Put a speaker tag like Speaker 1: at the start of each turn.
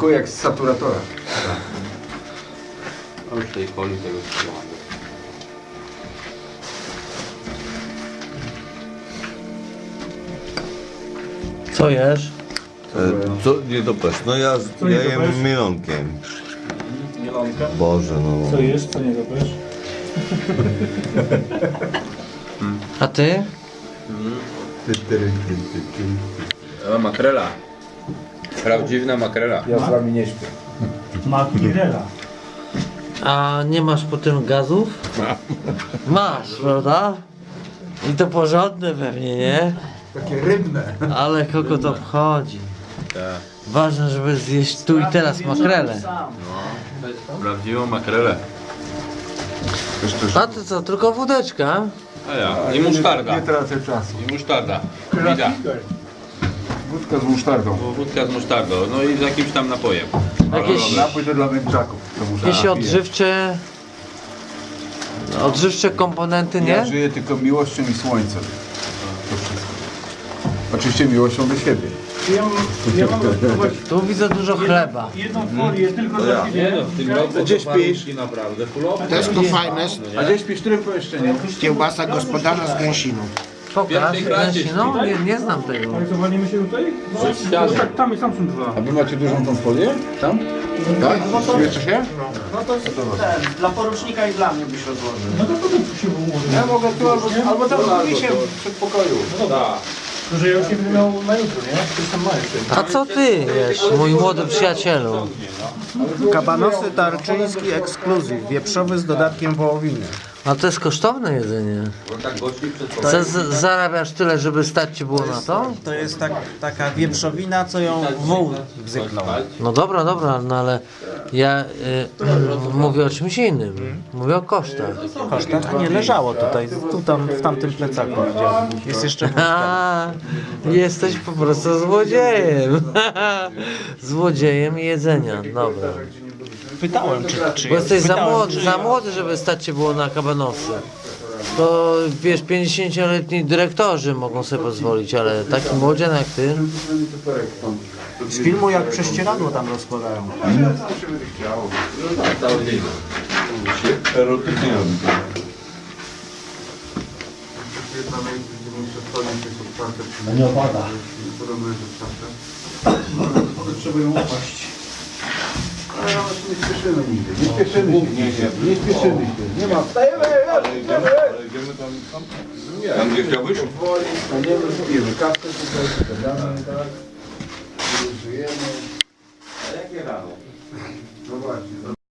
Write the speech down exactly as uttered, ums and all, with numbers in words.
Speaker 1: Smakuje jak z saturatora.
Speaker 2: A już tej coli tego trzymamy.
Speaker 3: Co jesz?
Speaker 4: E, co nie dopesz? No ja,
Speaker 5: Co
Speaker 4: ja
Speaker 5: nie
Speaker 4: jem
Speaker 5: dopesz?
Speaker 4: mielonkiem.
Speaker 5: Mielonka.
Speaker 4: Boże no.
Speaker 5: Co jesz, co nie dopesz?
Speaker 3: A ty?
Speaker 2: A, makrela. Prawdziwna makrela.
Speaker 1: Ja z wami nie śpię.
Speaker 5: Makrela.
Speaker 3: A nie masz po tym gazów? Masz, prawda? I to porządne pewnie, nie?
Speaker 1: Takie rybne.
Speaker 3: Ale kogo to obchodzi?
Speaker 2: Tak.
Speaker 3: Ważne, żeby zjeść tu i teraz makrelę.
Speaker 2: Prawdziwą makrelę.
Speaker 3: A to co, tylko wódeczka?
Speaker 2: A ja. I musztarda.
Speaker 1: Nie tracę czasu.
Speaker 2: I musztarda. Wida.
Speaker 1: Wódka z musztardą.
Speaker 2: Wódka z musztardą. No i z jakimś tam napojem.
Speaker 3: Jakieś,
Speaker 1: Napój to dla męczaków. To muszę
Speaker 3: jakieś
Speaker 1: napiję.
Speaker 3: odżywcze... Odżywcze komponenty,
Speaker 1: Ja
Speaker 3: nie?
Speaker 1: żyję tylko miłością i słońcem. To wszystko. Oczywiście miłością do siebie.
Speaker 5: Ja, ja mam spróbować
Speaker 3: Tu widzę dużo chleba.
Speaker 5: jedną folię tylko dla ciebie.
Speaker 2: no, w tym roku
Speaker 1: Gdzie śpisz?
Speaker 2: naprawdę fulowe.
Speaker 6: Tesco Finest,
Speaker 1: A gdzieś śpisz w którym pomieszczeniu?
Speaker 6: kiełbasa gospodarza z gęsiną.
Speaker 3: Pokaż,
Speaker 2: pierwszej klasie
Speaker 3: Gęsi, no nie, nie znam tego.
Speaker 5: Ale co, walimy się tutaj? No tak, tam i tam są dwa.
Speaker 1: A wy macie dużą tą folię? Tam? Tak? Zmieszczę się?
Speaker 7: No to jest ten, dla porucznika i dla mnie byś rozłożył.
Speaker 5: No to potem tu się ułoży.
Speaker 1: Ja mogę tu albo, albo tam albo się w przedpokoju.
Speaker 5: To, że ja już nie będę miał na jutro, nie? To jest tam ma jeszcze.
Speaker 3: A co ty jesz, mój młody przyjacielu?
Speaker 7: Kabanosy tarczyński ekskluzyw, wieprzowy z dodatkiem wołowiny.
Speaker 3: A to jest kosztowne jedzenie. Z, z, zarabiasz tyle, żeby stać ci było na to?
Speaker 7: To jest tak, taka wieprzowina, co ją wół bzyknął.
Speaker 3: No dobra, dobra, no ale ja y, y, mówię o czymś innym. Mówię o kosztach.
Speaker 7: Koszta? A nie, leżało tutaj, tu tam, w tamtym plecaku widziałem. Jest jeszcze wódka.
Speaker 3: A, jesteś po prostu złodziejem. Złodziejem jedzenia, dobra.
Speaker 7: Pytałem, czy, czy
Speaker 3: Bo jesteś za
Speaker 7: pytałem,
Speaker 3: młody,
Speaker 7: czy-
Speaker 3: za młody, żeby stać ci było na kabanosy. To wiesz, pięćdziesięcioletni dyrektorzy mogą sobie pozwolić, ale taki młodzian jak ty.
Speaker 7: Z filmu jak prześcieradło tam rozkładają.
Speaker 4: Erotycznie robi.
Speaker 5: Nie opada. Trzeba ją opaść.
Speaker 1: Ale nawet nie spieszymy nigdy. Nie spieszymy się. Nie, nie, nie spieszymy się. Nie ma. Wstajemy!
Speaker 4: Ale idziemy tam, tam, tam gdzie chciałbyś?
Speaker 1: Powoli staniemy, pijemy kawkę tutaj, gadamy, tak? Żyjemy.
Speaker 2: A jakie rano?
Speaker 1: No właśnie.